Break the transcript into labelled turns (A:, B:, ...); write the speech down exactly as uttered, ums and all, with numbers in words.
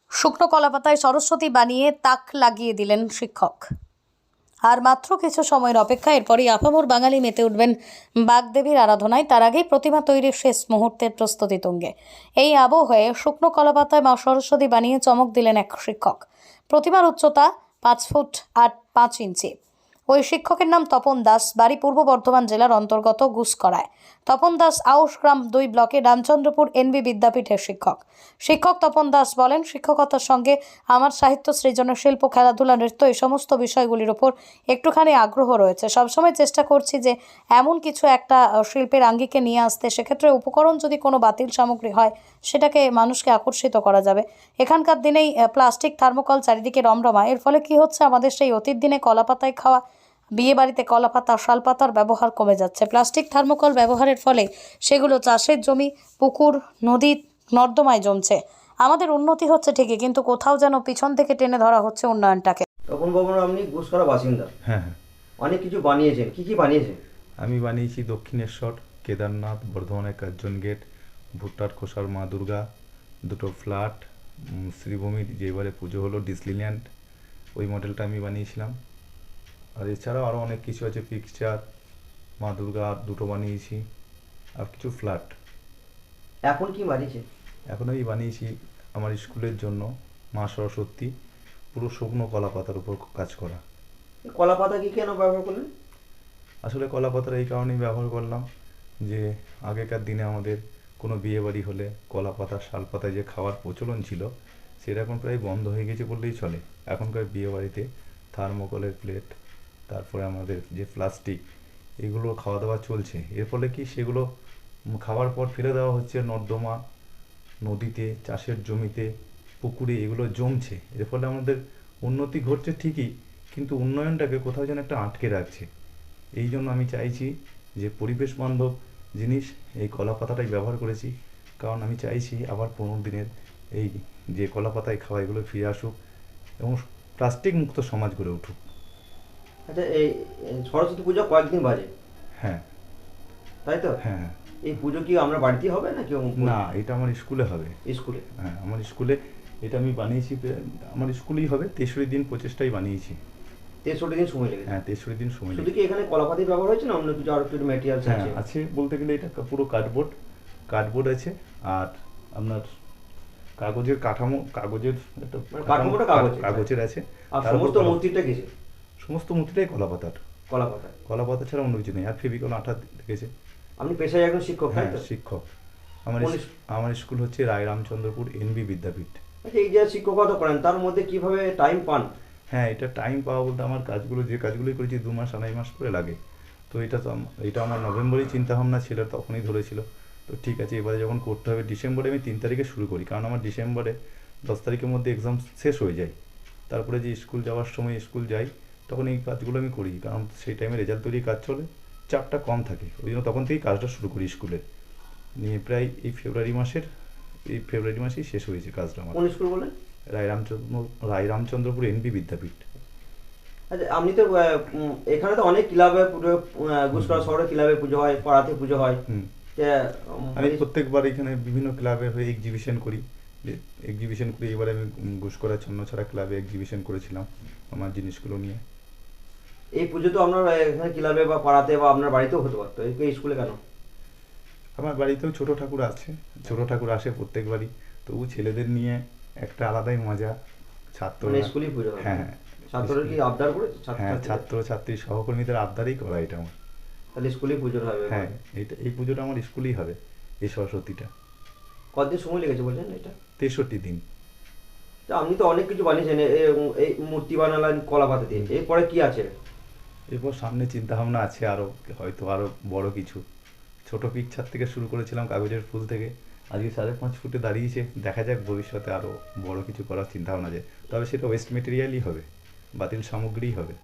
A: শুকনো কলাপাতায় সরস্বতী বানিয়ে তাক লাগিয়ে দিলেন শিক্ষক। আর মাত্র কিছু সময়ের অপেক্ষা, এরপরই আপামর বাঙালি মেতে উঠবেন বাগদেবীর আরাধনায়। তার আগেই প্রতিমা তৈরির শেষ মুহূর্তের প্রস্তুতি তুঙ্গে। এই আবহে শুকনো কলাপাতায় মা সরস্বতী বানিয়ে চমক দিলেন এক শিক্ষক। প্রতিমার উচ্চতা পাঁচ ফুট আট পাঁচ ইঞ্চি। ওই শিক্ষকের নাম তপন দাস, বাড়ি পূর্ব বর্ধমান জেলার অন্তর্গত গুসকরায়। তপন দাস আউশগ্রাম দুই ব্লকে রামচন্দ্রপুর এনবি বিদ্যাপীঠের শিক্ষক। শিক্ষক তপন দাস বলেন, শিক্ষকতার সঙ্গে আমার সাহিত্য, সৃজনের শিল্প, খেলাধুলা, নৃত্য এই সমস্ত বিষয়গুলির ওপর একটুখানি আগ্রহ রয়েছে। সবসময় চেষ্টা করছি যে এমন কিছু একটা শিল্পের আঙ্গিকে নিয়ে আসতে। সেক্ষেত্রে উপকরণ যদি কোনো বাতিল সামগ্রী হয়, সেটাকে মানুষকে আকর্ষিত করা যাবে। এখানকার দিনেই প্লাস্টিক, থার্মোকল চারিদিকে রমরমা। এর ফলে কি হচ্ছে, আমাদের সেই অতীত দিনে কলাপাতায় খাওয়া, বিয়ে বাড়িতে কলাপাতা, শালপাতার ব্যবহার কমে যাচ্ছে। প্লাস্টিক, থার্মোকল ব্যবহারের ফলে সেগুলো চাষের জমি, পুকুর, নদী, নর্দমায় জমছে। আমাদের উন্নতি হচ্ছে ঠিকই, কিন্তু কোথাও যেন পিছন থেকে টেনে ধরা হচ্ছে উন্নয়নটাকে।
B: তখন বাবু, আপনি গুসকরা বাসিন্দা।
C: হ্যাঁ হ্যাঁ
B: অনেক কিছু বানিয়েছেন, কি কি বানিয়েছেন?
C: আমি বানিয়েছি দক্ষিণেশ্বর, কেদারনাথ, বর্ধমানের কার্জন গেট, ভুট্টার খোসার মা দুর্গা, দুটো ফ্ল্যাট, শ্রীভূমির যে এবারে পুজো হলো ডিসনিল্যান্ড, ওই মডেলটা আমি বানিয়েছিলাম। আর এছাড়াও আরও অনেক কিছু আছে, পিকচার, মা দুর্গা দুটো বানিয়েছি, আর কিছু ফ্ল্যাট।
B: এখন কি বানিয়েছেন?
C: এখন আমি বানিয়েছি আমার স্কুলের জন্য মা সরস্বতী, পুরো শুকনো কলা পাতার উপর কাজ করা।
B: কলা পাতা কি কেন ব্যবহার করলেন?
C: আসলে কলা পাতার এই কারণেই ব্যবহার করলাম যে আগেকার দিনে আমাদের কোনো বিয়ে বাড়ি হলে কলা পাতা, শাল পাতায় যে খাওয়ার প্রচলন ছিল, সেটা এখন প্রায় বন্ধ হয়ে গেছে বললেই চলে। এখনকার বিয়ে বাড়িতে থার্মোকলের প্লেট, তারপরে আমাদের যে প্লাস্টিক, এগুলো খাওয়া দাওয়া চলছে। এর ফলে কি সেগুলো খাওয়ার পর ফেলে দেওয়া হচ্ছে নর্দমা, নদীতে, চাষের জমিতে, পুকুরে, এগুলো জমছে। এর ফলে আমাদের উন্নতি ঘটছে ঠিকই, কিন্তু উন্নয়নটাকে কোথাও যেন একটা আটকে রাখছে। এই জন্য আমি চাইছি যে পরিবেশ বান্ধব জিনিস এই কলা পাতাটাই ব্যবহার করেছি, কারণ আমি চাইছি আবার পনেরো দিনের এই যে কলা পাতায় খাওয়া, এগুলো ফিরে আসুক এবং প্লাস্টিক মুক্ত সমাজ গড়ে উঠুক।
B: আচ্ছা, এই সরস্বতী পুজো কয়েকদিন বাজে,
C: হ্যাঁ
B: তাই তো?
C: হ্যাঁ।
B: এই পুজো কি আমরা বাড়িতেই হবে না কি?
C: না, এটা আমার স্কুলে হবে।
B: স্কুলে?
C: হ্যাঁ, আমার স্কুলে এটা আমি বানিয়েছি, আমার স্কুলেই হবে। তেষট্টি দিন প্রচেষ্টাই বানিয়েছি।
B: তেষট্টি দিন সময় লেগেছে?
C: হ্যাঁ, তেষট্টি দিন সময়
B: শুধু
C: লেগেছে।
B: কি এখানে কলা পাতাই ব্যবহার হয়েছে না অন্য কিছু আরো কিছু ম্যাটেরিয়ালস
C: হ্যাঁ
B: আছে?
C: আছে, বলতে গেলে এটা পুরো কার্ডবোর্ড কার্ডবোর্ড আছে, আর আপনার কাগজের কাঠামো, কাগজের একটা
B: মানে কাঠামোটা কাগজের?
C: কাগজের আছে।
B: আর
C: তার
B: সমস্ত
C: উপর কলা-
B: মূর্তিটা কিছু?
C: সমস্ত মূর্তিটাই কলা পাতার।
B: কলা পাতা?
C: কলা পাতা ছাড়া অন্য কিছু নেই। আর ফেভিকল আঠা দেখেছে।
B: আপনি পেশায় একজন শিক্ষক, তাই
C: হ্যাঁ,
B: তো?
C: শিক্ষক। আমার
B: কোন
C: ইস- আমার স্কুল হচ্ছে রায় রামচন্দ্রপুর এনবি বিদ্যাপীঠ।
B: আচ্ছা, এই যে শিক্ষকতা করেন তার মধ্যে কিভাবে টাইম পান?
C: হ্যাঁ, এটা টাইম পাওয়া বলতে আমার কাজগুলো, যে কাজগুলোই করেছি দু মাস আড়াই মাস করে লাগে। তো এটা তো আম- এটা আমার নভেম্বরেই চিন্তাভাবনা ছিল, তখনই ধরেছিল। তো ঠিক আছে, এবারে যখন করতে হবে, ডিসেম্বরে আমি তিন তারিখে শুরু করি, কারণ আমার ডিসেম্বরে দশ তারিখের মধ্যে এক্সাম শেষ হয়ে যায়। তারপরে যে স্কুল যাওয়ার সময় স্কুল যাই, তখন এই কাজগুলো আমি করি, কারণ সেই টাইমে রেজাল্ট তৈরি কাজ চলে, চাপটা কম থাকে। ওই জন্য তখন থেকেই কাজটা শুরু করি স্কুলে নিয়ে। প্রায় এই ফেব্রুয়ারি মাসের এই ফেব্রুয়ারি মাসেই শেষ হয়েছে কাজটা আমার।
B: কোন স্কুল বলেন?
C: রায় রামচন্দ্র রায় রামচন্দ্রপুর এনবি বিদ্যাপীঠ।
B: আচ্ছা, আপনি তো আহ, উম, এখানে তো অনেক ক্লাবে পুজো, গুসকরা শহরে ক্লাবে পুজো হয়, পাড়াতে পুজো হয়।
C: হুম।
B: যে, উম,
C: আমি প্রত্যেকবার এখানে বিভিন্ন ক্লাবে হয়ে এক্সিবিশন করি। এক্সিবিশন করি, এবারে আমি ঘুষকরা ছন্নছড়া ক্লাবে এক্সিবিশন করেছিলাম আমার জিনিসগুলো নিয়ে।
B: এই পুজো তো আপনার এখানে ক্লাবে বা পাড়াতে বা আপনার বাড়িতেও হতে পারতো, এই স্কুলে কেন?
C: আমার বাড়িতেও ছোট ঠাকুর আছে, ছোট ঠাকুর আসে প্রত্যেকবারই, তবু ছেলেদের নিয়ে একটা আলাদাই মজা। ছাত্র,
B: মানে স্কুলেই পুজো হয়?
C: হ্যাঁ
B: ছাত্ররা কি আবদার করে?
C: হ্যাঁ, ছাত্র ছাত্রী সহকর্মীদের আবদারেই করা এটা আমার।
B: তাহলে স্কুলেই পুজো হবে?
C: হ্যাঁ, এটা এই পুজোটা আমার স্কুলেই হবে, এই সরস্বতীটা।
B: কতদিন সময় লেগেছে বলছেন এটা?
C: তেষট্টি দিন।
B: তা আপনি তো অনেক কিছু বানিয়েছেন, এ- এ- এই মূর্তি বানালেন কলা পাতা দিয়ে, এরপরে কি আছে?
C: এরপর সামনে চিন্তা ভাবনা আছে আরও, হয়তো আরও বড় কিছু। ছোট পিকচার থেকে শুরু করেছিলাম, কাগজের ফুল থেকে, আজকে সাড়ে পাঁচ ফুটে দাঁড়িয়েছে। দেখা যাক ভবিষ্যতে আরও বড় কিছু করার চিন্তা ভাবনা আছে, তবে সেটা ওয়েস্ট মেটেরিয়ালই হবে, বাতিল সামগ্রীই হবে।